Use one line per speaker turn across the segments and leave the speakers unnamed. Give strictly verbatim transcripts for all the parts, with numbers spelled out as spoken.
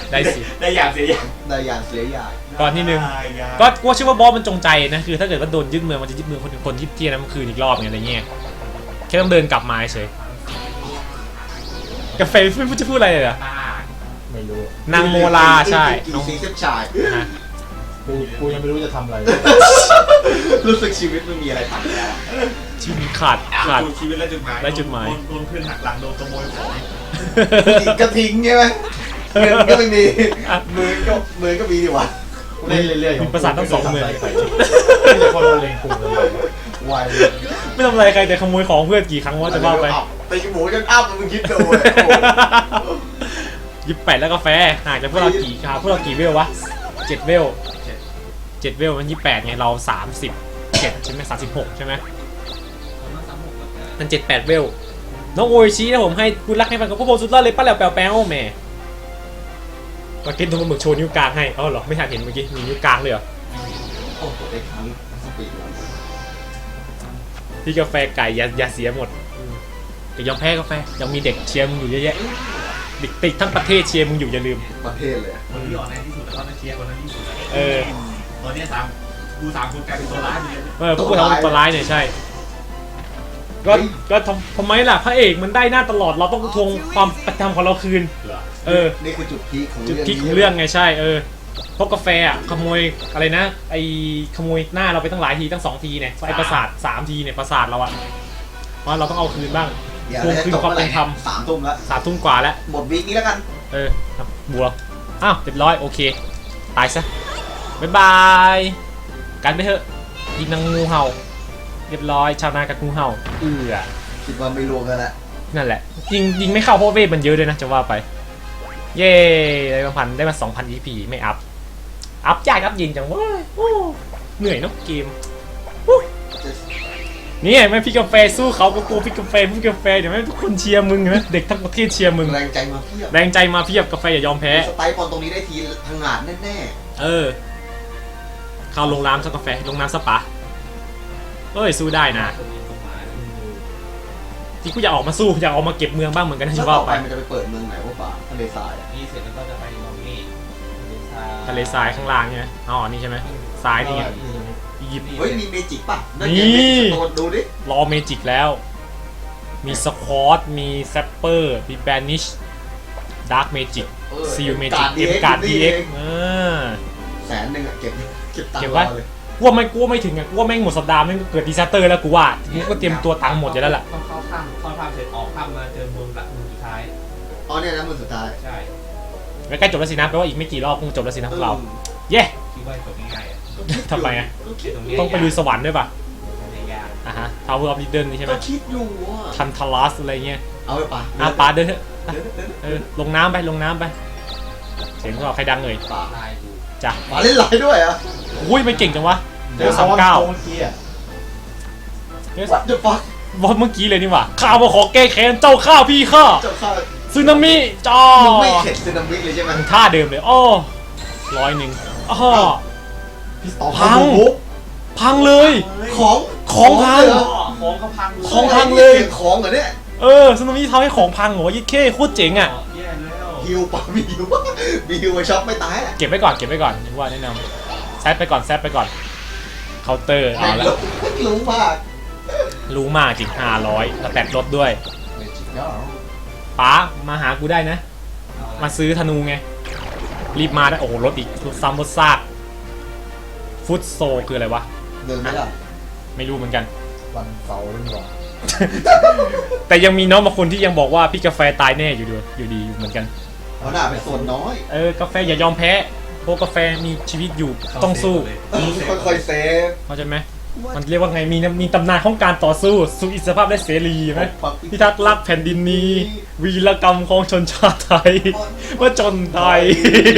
ได้สิ
ได้อย่างเสียอย่าง
ได้อย่างเสียอย่าง
ก่อนที่หนึ่งก็กูเชื่อว่าบอสมันจงใจนะคือถ้าเกิดว่าโดนยึดเมืองมันจะยึดเมืองคนคนที่เที่ยนั้นมันคืนอีกรอบไงอะไรเงี้ยแค่ต้องเดินกลับมาเฉยกาแฟไม่พูดจะพูดอะไรเลยเหรอ
ไม่รู้
นางโมลาใช่
กี่สีเส้นชาย
กูกูยังไม่รู้จะทำอะไร
รู้สึกชีวิตไม่มีอะไรทำแล้ว
ชีวิตขาดขาด
ชีวิตและจุดหมาย
และจุดหมาย
โดนเพื่อนหักหลังโดนขโมยของ
กระทิ้งใช่ไหมเงินก็ไม่มีมือก็มือก็มีดีวะ
เล่นเรื่อยๆ
มีประสาททั้งสองมือ
มีคนมาเลงกูเลย
ไว
ไม่ทำอะไรใครแต่ขโมยของเพื่อนกี่ครั้งว่าจะว่าไป
แต่จมูกจนอ้ามึงคิดดู
ยิบแปดแล้วกาแฟห่างจากพวกเรากี่ครับพวกเรากี่เวลวะเจ็ดเวลเจ็ดเวลมันยี่แปดไงเราสามสิบเจ็ดใช่ไหมสามสิบหกใช่ไหมมันเจ็ดแปดเวลน้องโออิชินะผมให้คุณรักให้ฟังกับพวกผมสุดยอดเลยป้าแหลวแปลวแปลวแม่มากินตรงมือโชว์นิ้วกลางให้อ๋อเหรอไม่ทันเห็นเมื่อกี้มีนิ้วกลางเลยเหรอ
โอ้โหได้ครั้งสปีด
พี่กาแฟไก่อย่าอย่าเสียหมดแต่ยอมแพ้กาแฟยังมีเด็กเชียร์มึงอยู่เยอะแยะเด็กติดทั้งประเทศเชียร์มึงอยู่อย่าลืม
ประเทศเลย
คนที่อ่อนแอที่สุดแล้วก็เชียร์คนนั้นที่สุด
เออ
ตอนนี้สามกูสามคนกลายเป็นตัวร้ายเลย
เออพวกกูทำตัวร้ายเนี่ยใช่ก็ก็ทำทำไมล่ะพระเอกมันได้หน้าตลอดเราต้องทวงความประจำของเราคืนเออ
นี่คือจุดพีคของ
จุดพีคของเรื่องไงใช่เออเพราะกาแฟอ่ะขโมยอะไรนะไอขโมยหน้าเราไปตั้งหลายทีตั้งสองทีเนี่ยไอประสาทสามทีเนี่ยประสาทเราอ่ะเพราะเราต้องเอาคืนบ้างทวงคืนความเป็นธรรม
สามทุ่มแล้ว
สามทุ่มกว่าแล้ว
หมดวีคนี้แล้วกัน
เออครับบัวอ้าวเรียบร้อยโอเคตายซะบ๊ายบายกันไปเถอะยิงนางงูเห่าเรียบร้อยชาวนากับงูเห่าเอือ
คิดว่าไม่รวมกันแล้ว
นั่นแหละยิงยิงไม่เข้าเพราะเวทมันเยอะเลยนะจะว่าไปเย้ได้มาพันได้มา สองพัน อี พี ไม่อัพอัพยากอัพยิงจังเว้ยเหนื่อยเนาะเกมนี่ไงแม่พี่กาแฟสู้เขาก็กลัวพี่กาแฟพี่กาแฟเดี๋ยวแม่ทุกคนเชียร์มึงนะเด็กทั้งประเทศเชียร์มึง
แรงใจมาเพียบ
แรงใจมาเพียบกาแฟอย่ายอมแพ้
สไตล์บอลตรงนี้ได้ทีพังงาดแน่
ๆเออเข้าลงน้ำสักกาแฟลงน้ำสปาเอ้ยสู้ได้นะที่กูอยากออกมาสู้อยากออกมาเก็บเมืองบ้างเหมือนกันนะชิว่า
ไปมันจะไปเปิดเมืองไหนวะป่าทะเลทราย
นี่เสร็จแล้วก็จะไปตรงนี้
ทะเลทรายข้างล่างใช่ไหมอ๋อนี่ใช่ไหมทรายนี่ไงอียิปต์
เฮ้ยมีเมจิกป่ะ
นี่
ดูดิ
รอเมจิกแล้วมีสควอตมีแซปเปอร์มีแบนิชดาร์กเมจิกซีลเมจิกเอ็มการ์ดดีเอ็ก
แสนหนึ่งอะเก็บเก็บตังค์เลย
กลัวไม่กลัวไม่ถึงอ่ะกลัวแม่งหมดสัปดาห์แม่งเกิดดิซาสเตอร์แล้วกูว่ากูก็เตรียมตัวตังค์หมดอยู่แล้วล่ะ
ต้องเข้าถ้ำเข้าถ้ำเสร็จออกถ้ำมาเจอเมืองละเมืองสุดท้าย
อ๋อเนี่ยนะเมืองสุดท้าย
ใช่
ใกล้จบแล้วสินะแปลว่าอีกไม่กี่รอบคงจบแล้วสินะพวกเราเย้
คิดว่าจบง่ายๆอ่ะ
ทำไมอ่ะต้องไปลุยสวรรค์ด้วยป่ะอ่ะฮะทาวเวอร์ออฟลิดเดิลนี่ใช่ไหม
คิดอยู่อ่ะ
ทันทารัสอะไรเงี้ย
เอาไปป่ะ
อ่ะป่าเดินเถอะเออลงน้ำไปลงน้ำไปเสียงพวกเราใครดังเลย
ป่า
จ้ะ
ป่าเล่นไหลด้วยอ่ะ
อุ้ยไม่เก่งจังวะเดี๋ยวสามเก้า
เมื่อกี้อ่ะ
เดี๋ยวเดี๋ยวบอสเมื่อกี้เลยนี่หว่าข้ามาขอแก้แค้นเจ้าข้าพี่ข้าซึนามิจ้า
ไม่เข็ดซึนามิเลยใช่ไหม
ท่าเดิมเลยอ้อร้อยหนึ่งอ้อพังพังเลย
ของ
ของพัง
ของก็พัง
ของพังเลย
ของเหรอเนี่ย
เออซึนามิทำให้ของพังเหรอยิ่งเข้โคตรเจ๋งอ่ะ
ฮิวป่ะมีฮิวมีฮิวไปช็อปไม่ตายอ่ะ
เก็บไว้ก่อนเก็บไว้ก่อนยังว่าแนะนำแซดไปก่อนแซดไปก่อนเคาน์เตอร์เอาละ
รู้มาก
รู้มากจริงห้าร้อยแล้วแตกรถด้วยป๋ามาหากูได้นะมาซื้อธนูไงรีบมาได้โอ้โหรถอีกรถซ้ำรถซากฟุตโซคืออะไรวะ
เดินไม่ได้
ไม่รู้เหมือนกัน
วันเสาร์นี่หว่า
แต่ยังมีน้องบางคนที่ยังบอกว่าพี่กาแฟตายแน่อยู่ด้วยอยู่ดีอยู่เหมือนกัน
เอาหน้าเป็นส่วนน้อย
เออกาแฟอย่ายอมแพ้เพราะกาแฟมีชีวิตอยู่ต้องสู้
ค่อยๆเซฟ
เข้าใจไหมมันเรียกว่าไงมีมีตำนานของการต่อสู้สู่อิสรภาพและเสรีไหมพิทักษ์รักแผ่นดินนี้วีรกรรมของชนชาติไทยว่าจนไทย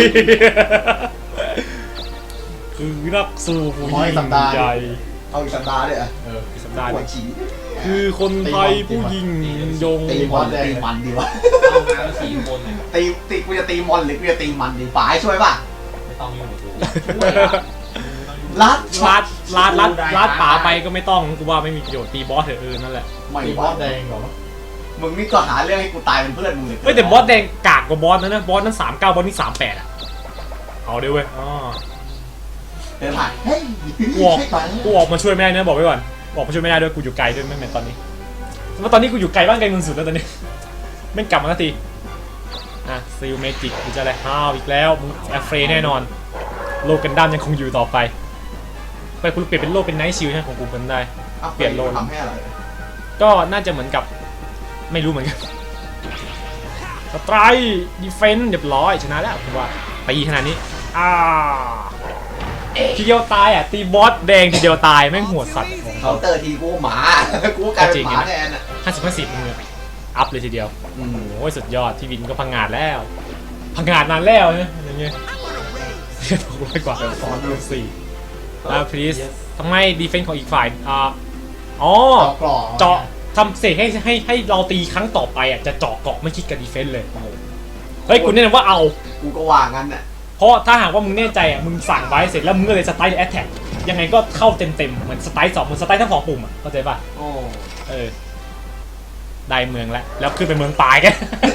คือนักสู้ผู้ยิ่งใหญ่
เอาอีกสัปดาห์เลยอ่ะ
เอออีกสัปดาห์คือคนไทยผู้ยิ่งยง
ตีมอนตีมันดีวะ
เอางานสี่คน
ตีตีกูจะตีมอนหรือกูจะตีมันดีป๋าช่วยป่ะ
ไม่ต้องยุ่งกับกู
ลัด
ลัดลัดลัดลัดป่าไปก็ไม่ต้องกูว่าไม่มีประโยชน์ตีบอสเถอะเออนั่นแหละ
ตีบอสแดงเหรอ
มึงนี่ก็หาเรื่องให้กูตายเป็นเพื่อนมึงเลย
เฮ้ยแต่บอสแดงกากกว่าบอสนะนะบอสนั้นสามเก้าบอสนี่สามแปดอ่ะเอาเดี๋ยวเว้ยอ๋อ
เดินผ่านเฮ้ย
กูออกกูออกมาช่วยไม่ได้นะบอกไว้ก่อนออกมาช่วยไม่ได้ด้วยกูอยู่ไกลด้วยไม่เหมือนตอนนี้เพราะตอนนี้กูอยู่ไกลบ้านไกลเมืองสุดแล้วตอนนี้ไม่กลับมาสักทีอ่ะซิลเมจิกกูจะอะไรห้าวอีกแล้วมึงแอฟเฟรแน่นอนโลกันดั้มยังคงอยู่ต่อไปไปกูเปลี่ยนเป็นโลเป็นไนท์ชิลใช่ของกูเป็นได้ เปลี่ยนโล
ทำให้อะไร
ก็น่าจะเหมือนกับไม่รู้เหมือนกันสไตรดีเฟนส์เรียบร้อยชนะแล้วผมว่าตีขนาดนี้อ่าทีเดียวตายอ่ะตีบอสแดงทีเดียวตายแม่งหัวสัตว์ของ
เคา
เขา
น์เตอร์ทีกูหมากูกลายเป็นหมาแทนอ่ะ
ห้าสิบห้าสิบมึงอะอัพเลยทีเดียว
อืม
โอ้ยสุดยอดที่วินก็พังงาดแล้วพังงาดนานแล้วเนี่ยอย่างเงี้ยหกร้อยกว่าฟอนต์สี่อ่าพลีสทำไมดีเฟนส์ของอีกฝ่ายอ่าอ๋อ
เจาะกรอบ
เจาะทำเสกให้ให้ให้เราตีครั้งต่อไปอ่ะจะเจาะเกาะไม่คิดกับดีเฟนส์เลยเฮ้ยคุณแนะนำว่าเอา
กูก็ว่างั้นน่ะ
เพราะถ้าหากว่ามึงแน่ใจอ่ะมึงสั่งไว้เสร็จแล้วมึงก็เลยสไตล์แอตแทกยังไงก็เข้าเต็มเต็มๆเหมือนสไตล์สองเหมือนสไตล์ทั้งสองปุ่มอ่ะเข้าใจป่ะ
โอ้
เออได้เมืองแล้วแล้วขึ้นไปเมืองปลายกัน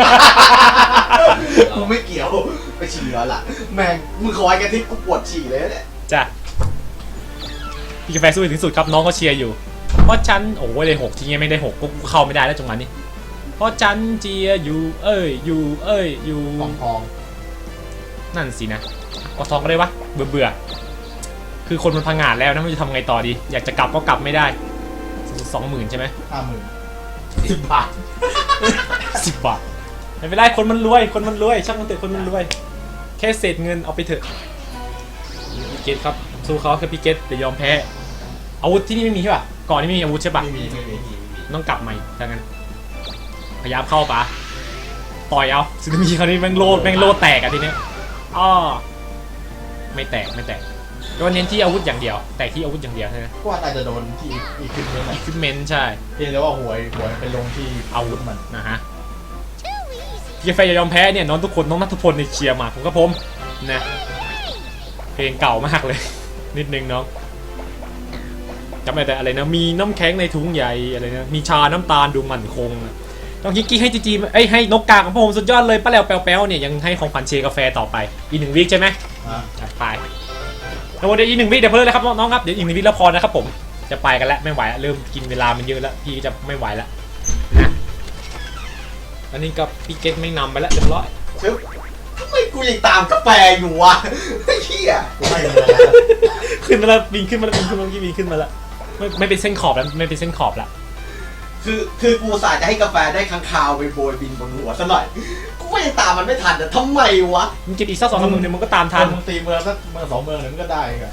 กูไม่เกี่ยวไปฉี่แล้วล่ะแม่งมึงคอยกันที่กูปวดฉี่เลยเนี่ย
จ้ะพี่กาแฟสู้ถึงสุดครับน้องก็เชียร์อยู่เพราะฉันโอ้ยเลยหกทีเงี้ยไม่ได้หกก็กูเข้าไม่ได้แล้วจังหวะนี้เพราะฉันเชียร์อยู่เอ้ยอยู่เอ้ยอยู่
ทองทอง
นั่นสินะก็ทองก็ได้วะเบื่อเบื่อคือคนมันพังงาดแล้วนะไม่รู้จะทำไงต่อดีอยากจะกลับก็กลับไม่ได้สองหมื่นใช่ไหม
ห้าหมื่น
สิบบาท
สิบบาทไม่เป็นไรคนมันรวยคนมันรวยช่างมันเถอะคนมันรวยแค่เศษเงินเอาไปเถอะพี่เกตครับสู้เขาแค่พี่เกตเดี๋ยวยอมแพ้อาวุธที่นี่ไม่มีใช่ป่ะก่อนนี้ไม่มีอาวุธใช่ป่ะ
ไม่มีไม่มี
ต้องกลับใหม่ดังนั้นพยายามเข้าป่ะต่อยเอาซึนามิคราวนี้แม่งโลดแม่งโลดแตกอะทีเนี้ยอ้อไม่แตกไม่แตกก็เน้นที่อาวุธอย่างเดียวแตกที่อาวุธอย่างเดียวใช่ไหม
ก็ว่าน่าจะโดนที่อีกขึ้นเลยแหละ
อีควิปเมนต์ใช่
เพียงแต่ว่าหวยหวยไปลงที่อาวุธมัน
นะฮะพี่แฟอย่ายอมแพ้เนี่ยน้องทุกคนน้องนัทพลในเชียร์มาผมก็ผมนะเพลงเก่ามากเลย นิดนึงน้องจำได้แต่อะไรนะมีน้ำแข็งในถุงใหญ่อะไรนะมีชาน้ำตาลดูมั่นคงต้องฮิกกี้ให้จีจีไอ้ให้นกกาของผมสุดยอดเลยป้าแหลวแป๊วๆเนี่ยยังให้ของขวัญเชียร์กาแฟต่อไปอีกหนึ่งวิคใช่ไหม
อ่ะ
จัดไปแล้วเดี๋ยวอีกหนึ่งวิเดี๋ยวเพิ่มเลยครับน้องๆครับเดี๋ยวอีกหนึ่งวิแล้วพอนะครับผมจะไปกันแล้วไม่ไหวแล้วเริ่มกินเวลามันเยอะแล้วพี่จะไม่ไหวแล้วนะอันนี้ก็พี่เกตไม่นำไปแล้วเรียบร้อย
ชึบทำไมกูยังตามกาแฟอยู่วะไอ้เหี้ย
กูให้เงินแล้ว
ขึ้นมาแล้วบินขึ้นมาแล้วบินขึ้นมาเมื่อกี้บินขึ้นมาแล้วไม่ไม่เป็นเส้นขอบแล้วไม่เป็นเส้นขอบแล้ว
คือคือกูอุตสาห์จะให้กาแฟได้ค้างคาวไปโบยบินบนหัวซะหน่อยกูก็ยังตามมันไม่ทันแต่ทำไมวะ
มึงเก็บอีกสักสองสามมือเนี่ยมึงก็ตามทั
ถ้าน มึงตีเมืองสักเมืองสองเมืองหนึ่งมันก็ได้กัน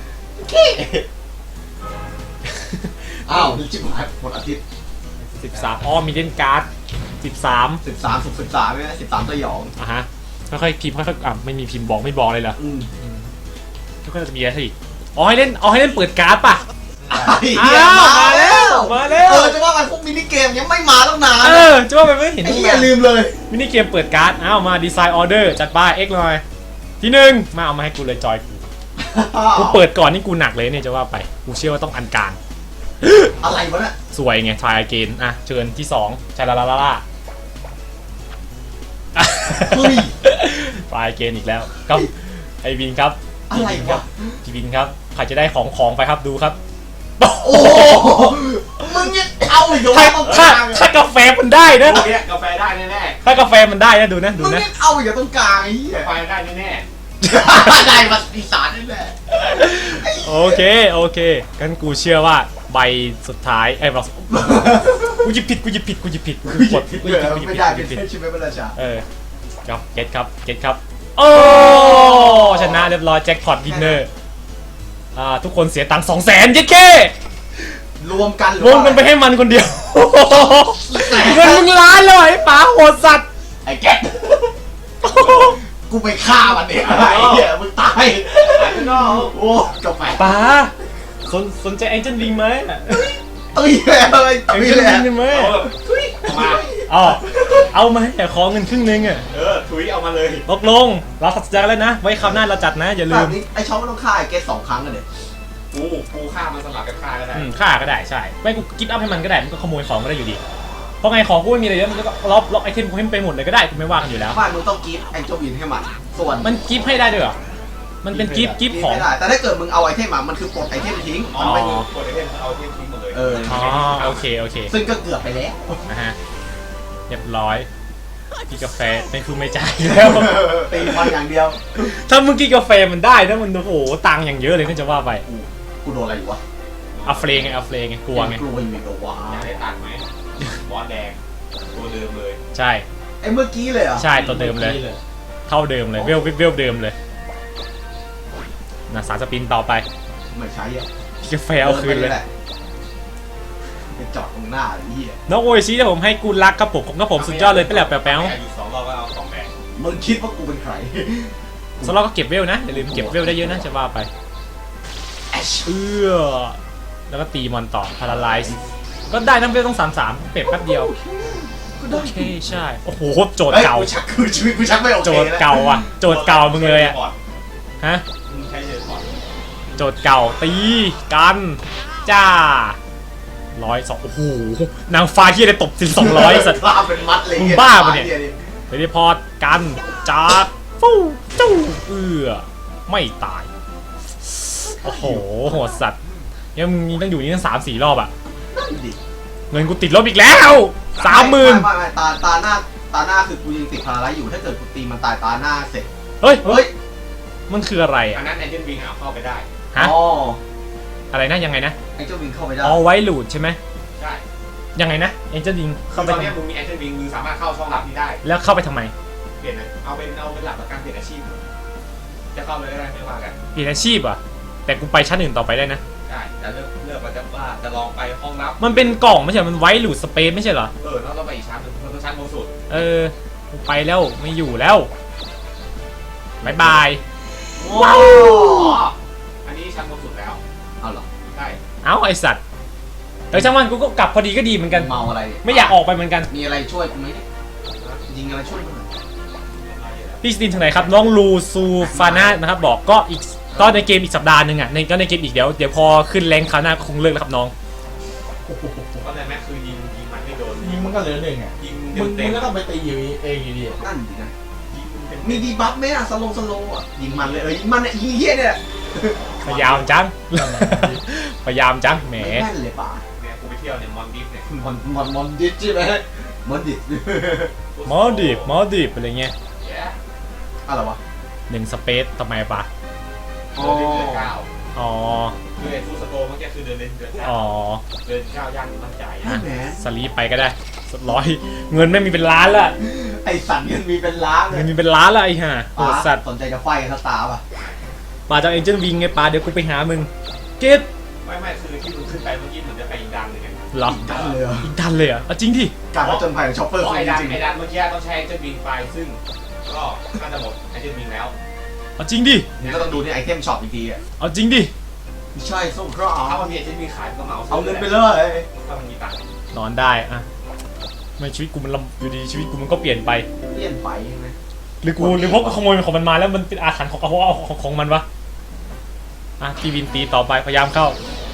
อ้าวจิบหายหมดอาทิตย์
สิบสามอ๋อมีเล่นการ์ดสิบสาม
สิบสามสิบสิบสามเนี่ยสิบสามสยอง
อ่ะฮะค่อยๆพิมพ์ค่อยๆอ่ะไม่มีพิมพ์บอกไม่บอกเลยเหรอ
อืม
ก็จะมีอะไรอีกอ๋อให้เล่นอ๋อให้เล่นเปิดการ์ดป่ะ
อ้าว
มาแล้วมาแล้ว
เออจะว่ามันพวกมินิเกมยังไม่มาตั้งนาน
เออจะว่าไปไม่เห็น
ไอ้
ตั้ง
เหี้ย
นาน
ลืมเลย
มินิเกมเปิดการ์ดอ้าวมาดีไซน์ออเดอร์จัดป้าย X หน่อยที่หนึ่งมาเอามาให้กูเลยจอยกูกูเปิดก่อนนี่กูหนักเลยเนี่ยจะว่าไปกูเชื่อว่าต้องอันการ
อะไรวะเนี่ย
สวยไงทายเกนอ่ะเชิญที่สองชาลาลาลาลา
เฮ้ย
ทายเกนอีกแล้วครับไอวินครับ
อะไรวะ
พี่วินครับใครจะได้ของของไปครับดูครับ
โอ้มึงเนี่ยเอาอยู่
ถ้า
ตรงก
ถ้า
ลาง
ถ้ากาแฟมันได้นะ
พวกเนี้ยกาแฟได้แน่
ถ้ากาแฟมันได้นะดูนะดู
มึง
นะ
เนี่ยเอาอยู่ตรงกลางไอ้เหี้
ๆ
ย
กาแฟได้แน่
ได้มาอีสานนี่แหละ
โอเคโอเคกันกูเชื่อว่าใบสุดท้ายไอ้ยบอกกูหยิบผิดกูหยิบผิดกูหยิบผิดกูหยิบผิดกูหยิบผิดกูหยิบผิด
ไม่ได้
กูห
เป็
ยิ
น
บผิด
เทพชิเมเบลชา
เออครับเก็ตครับเก็ตครับโอ้ชนะเรียบร้อยแจ็คพอตวินเนอร์อ่าทุกคนเสียตังค์สองแสนเย็ดแค่
รวมกันห
รวมกันไปให้มันคนเดียวเงินมึงล้านเลยไอ้ป๋าโหดสัตว์
ไอ้แก๊กกูไปฆ่ามันเนี่ยไอ้เหี้ยมึงตายโอ้กาแฟ
ป๋าสนสนใจแองเจิลวิงไหม
ตุ้ยเลย
แอง
ตุ้ย
เจิล
เลย
วิงได้ไหม
เอาแบบทุยเอามา
อ๋อเอามาให้แต่ขอเงินครึ่งนึงอ่ะ
เออทุยเอามาเลย
ตกลงเราตัดสินใจกันแล้วนะไว้คราวหน้าเราจัดนะอย่าลื
แบ
ม
บนี้ไอ้ช่องมันต้องฆ่าไอ้เกสสองครั้งกันเลย
กูกูฆ่ามันสลับกันฆ่าก็ได้
อืมฆ่าก็ได้ใช่ไม่กูกิฟต์อัพให้มันก็ได้มันก็ขโมยของก็ได้อยู่ดีเพราะไงของกูไม่มีอะไรเยอะมันก็ล็อกล็อกไอเทมกูให้มันไปหมดเลยก็ได้กูไม่ว่ากันอยู่แล้ว
บ้านมึงต้องกิฟต์แองเจิลวินให้มันส่วน
มันกิฟต์ให้ได้ด้วยเหรอมันเป็นกิฟต์กิฟต์ของ
ไม่ได้แต่ถ้าเกิดมึงเอาไอเทมมามันคือปลดไอเทมทิ้ง
อ๋อ
มันไม่มี
กดไอเทมเอาไอเทมทิ้งหมดเลย
เออ
อ๋อโอเคโอเค
ซึ่งก็เกือบไปแล้ว
นะฮะเรียบร้อยกินกาแฟไม่คือไม่จ่ายแล้ว
ตีมันอย่างเดียว
ถ้ามึงกินกาแฟมันได้นะมันโอ้โหตังค์อย่างเยอะเลยก็จะว่าไป
กูกูโดนอะไรอยู่วะ
อัฟเฟลไงอัฟเฟลไงกลัวไง
กลัวอยู่ตัววะ
อยากได้ตังค์ไหมบอสแดงตัวเดิมเลย
ใช่
ไอ้เมื่อกี้เลยเหรอ่ะ
ใช่ตัวเดิมเลย เท่าเดิมเลยเวลเวลเดิมเลยนะสารสปินต่อไป
ไม่ใช้อ่ะ
กาแฟเอาคืนเลย
ไปจอดตรงหน้าไอ้เหี้ย
น้องโอชิที่ผมให้กูรักครับผมผมก็ผมสุดยอดเลยไปแล้วแป๊ว
อยู่สองรอบก็เอาสองแดง
มึงคิดว่ากูเป็นใคร
ๆสำหรับก็เก็บเวลนะอย่าลืมเก็บเวลได้เยอะนะจะว่าไปเอื้อแล้วก็ตีมอนต่อพาราไลซ์ก็ได้ทั้งเวลต้องสามสามเป็ดแป๊บเดียว
กู
โอ
ได้
เคใช่โอ้โหโจทย์
เฮ้ย
เก่า
กูชักคือชีวิตกูชักไม่โอเค
โจทย์เก่าอ่ะโจทย์เก่ามึงเลยอ่ะฮะ
มึงใช้เจอก่อน
โจทย์เก่าตีกันจ้าร้อยสองโอ้โหนางฟ้าที่ได้ตบสิสองร้อยสัตว์
บ้าเป็นมัดเลย
มึงบ้าปะเนี่ย เทเลพอร์ตกันจัดฟู้จู้เอื้อไม่ตายโอ้โหโหดสัตว์ยังมึงต้องอยู่นี่ตั้งสามสี่รอบอ่ะ
นั่นดิ
เงินกูติดลบอีกแล้วสามหมื่น
ไม่ไม่ไม่ตาตาหน้าตาหน้าคือกูยังติดพาราไลซ์อยู่ถ้าเกิดกูตีมันตายตาหน้าเสร็จ
เฮ้ย
เฮ้ย
มันคืออะไร
อั
อ่ะ
นนั้นแอนเจนวิงเอาเข้าไปได้
ฮะ
อ๋อ
อะไรนะยังไงนะ
ไอ้เจ้าวิงเข้าไปได้
อ๋อไว้หลูดใช่ไหม
ใช่
ยังไงนะเอ็นเจดิง
คื
เข้า
อ
ไป
ตอน
ทำ
นี้มึงมีแอนเจนวิงมึงสามารถเข้าช่องลับนี้ได้
แล้วเข้าไปทำไม
เปลี่ยนนะเอาเป็นเอาเป็นหลักประกันเปลี่ยนอาชีพจะเข้าเลยก็ได้ไม่ว่ากัน
เปลี่ยนอาชีพอ่ะแต่กูไปชั้นอื่นต่อไปได้นะ
ได้แต่เลือกเลือกว่าจะว่าจะลองไปห้องลับ
มันเป็นกล่องไม่ใช่เหรอมันไว้หลูดสเปซไม่ใช่เหรอ
เออแล้วเราไปอีกชั้นหนึ่งเราต้องชั้นบนสุด
เออกูไปแล้วไม่อยู่แล้วบายบาย
ว้าว
อันนี้ชั้นบนสุดแล้ว
เอาเหรอ
ได้
เอ้าไอสัตว์แต่ช่างมันกูก็กลับพอดีก็ดีเหมือนกัน
เมาอะไร
ไม่อยากออกไปเหมือนกัน
มีอะไรช่วยกูไหมเนี่ยยิงอะไรช่วยกูหน่อย
พี่สตินทางไหนครับน้องลูซูฟาน่านะครับบอกก็อีกก็ในเกมอีกสัปดาห์หนึ่งอ่ะในก็ในเกมอีกเดี๋ยวเดี๋ยวพอขึ้นแรงคราวหน้าคงเลิกแล้วครับน้อง
ก็เลยแม็กคือยิงยิงมันไม่โดน
ยิงมันก็เหลือหนึ่งอ่ะ
ยิง
มึง
เต็
มึ
ม
งก็
ๆ
ต้องไปตีอยู่เองอยู่ดี
นั่นดินะ
ยิงเต็มๆ
มีดีบัฟไหมอะสโลว์สโลว์อะยิงมันเลยเออยิงมันเนี่ยยิงเฮี้ยเนี่ย
พยายามจัง พยายามจังแหม
แม่นเลยป่ะ
เนี่ยกูไปเที่ยวเนี่ยมอนดิฟเนี่ย
มอนมอนมอนดิสใช่ไหมมอนดิส
มอดิบมอดิบอะไรเงี้ย
แย่
อะไรวะ
หนึ่งสเปซทำไมปะ
เดินเล่นเดือนเก้า
อ๋อ
คือไอ้ฟูสโตเมื่อกี้คือเดินเล่นเดือนเก้า
อ๋อ
เดินเก้าย่างมั่นใจ
ใช่ไหม
สลีปไปก็ได้สร้อยเงินไม่มีเป็นล้านละ
ไอสัตว์เงินมีเป็นล้านเล
เงิ
ย
นมีเป็นล้านละไอ้ห่าโหดสัตว์
สนใจจะไฟกันสตาร์ป่ะ
ป่าจากเอ็นเจนวิงไงป่าเดี๋ยวกูไปหามึงเกต
ไม่ไม่คือที่มึงขึ้นไปเมื่อกี้เหมือนจะไปอีกดันหนึ่งไง
เหรอ
ดันเลยเหรอ
อีกดันเลยเหรอ่ะเอาจริงดิ
การผจญภัยของช็อปเปอร์
เพราะ
คือ
ไอ้ดัน
จริง
ไอ้ดันเมื่อกี้ต้องใช้ไอเจนวิงไปซึ่งก็น่าจะหมดไอเจนวิงแล้ว
เอาจริงดิ
ๆนี่ก็ต้องดูในไอเทมช็อปอีกทีอ่ะ
เอาจริงดิ
ไม่ใช่ส้มครอ
ถ้ามันมีไอเจนวิงขายก็มา
เอาเงินไปเลย
ถ้ามันมีตังค์
นอนได้อะไม่ชีวิตกูมันลำอยู่ดีชีวิตกูมันก็เปลี่ยนไป
เลี่ยนไปใช่ไหม
หรือกูหรือพวกขโมยของมันมาแล้วมันเป็นอาถรรพ์ของเขาเอาของของมันวะอ่ะพี่วินตีต่อไปพยายามเข้า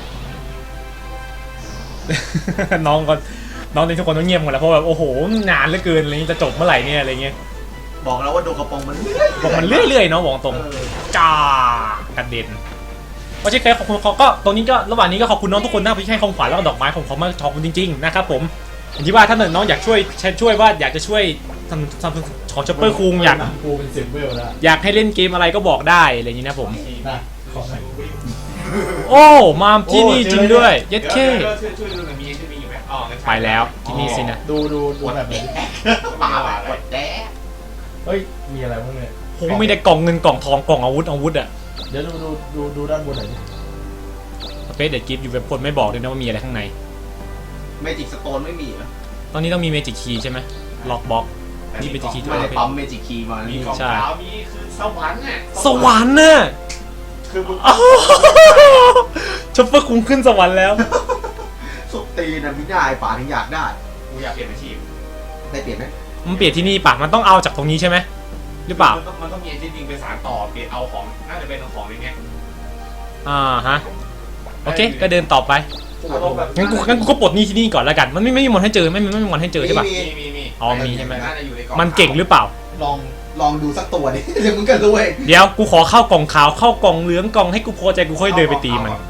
น้องก็น้องในทุกคนต้องเงียบหมดแล้วเพราะแบบโอ้โหนานเหลือเกินอะไรเงี้ยจะจบเมื่อไหร่เนี่ยอะไรเงี้ย
บอกแล้วว่าดูกระโปรงมันเรื่อยๆ
บอกมันเรื่อยๆเนาะบอกตรง
เออ
จ้ากระเด็นเพราะเช่นเคยขอบคุณเขาก็ตรงนี้ก็ระหว่างนี้ก็ขอบคุณน้องทุกคนนะครับที่ให้ของขวัญแล้วก็ดอกไม้ของเขามาขอบคุณจริงๆนะครับผมอย่างที่ว่าถ้าน้องอยากช่วยช่วยว่าอยากจะช่วยทำทำของช็อปเปอร์คุงอยาก
กูเป็นสิบเวลแล้ว
อยากให้เล่นเกมอะไรก็บอกได้อะไรอย่างนี้นะผม
นะขอหน่อย
โอ้มาที่นี่จริงด้วยเย็ด
เดี๋ยว
เข้
เดี๋ยวช่วยช่วยดูหน่อยมีไอเจนวิงอยู่ไหมอ๋องั้นใช่
ไปแล้วที่นี่สินะ
ดูดูดูแบบนี้
ป่าแบบกดแด้
เฮ้ยมีอะไรบ้างเนี่ย
โหไม่ได้กล่องเงินกล่องทองกล่องอาวุธอาวุธอะ
เดี๋ยวดูดูดูดูด้านบนหน่อยดิ
สเปซเด็ดกิฟต์อยู่แบบคนไม่บอกเลยนะว่ามีอะไรข้างใน
เมจิกสโตนไม่มีเหรอ
ตอนนี้ต้องมีเมจิกคีย์ใช่ไหมล็อกบ็อก นี่เป็นคีย์
ไม่ได้ปั๊มเมจิกคีย์มา
มี
นี่
กล่อง
ใช่
ขาวมีคือสวรรค์น่ะ
สวรรค์น่ะ
คือมึง
อ้าวช็อปเปอร์คุงขึ้นสวรรค์แล้ว
สุดตีนนะพี่นายป่าถึงอยากได้
กูอยากเปลี่ยนอาชีพ
ได้เปลี่ยนไหม
มันเปลี่ยนที่นี่ปะมันต้องเอาจากตรงนี้ใช่ไหมหรือเปล่า
มันต้องมันต้องมีไอเจนวิงไปสารต่อเปลี่ยนเอาของน่าจะเป็นเอาของในเนี้ย
อ่าฮะโอเคก็เดินต่อไป
อารมณ์แบบ
งั้นกูงั้นกูก็ปลดหนี้ที่นี่ก่อนแล้วกันมันไม่ไม่มีมอนให้เจอไม่ไม่ไม่มีมอนให้เจอใช่ปะ
มี
มีมีมี
อ๋อมีใช่ไหม
น่าจะอยู่ในกล่อง
มันเก่งหรือเปล่า
ลองลองดูสักตัวดิ เดี๋ยวมึงก็รู้เอง
เดี๋ยวกูขอเข้ากล่องขาวเข้ากล่องเหลืองกล่องให้กูพอใจกูค่อยเดินไปตีมัน
เอา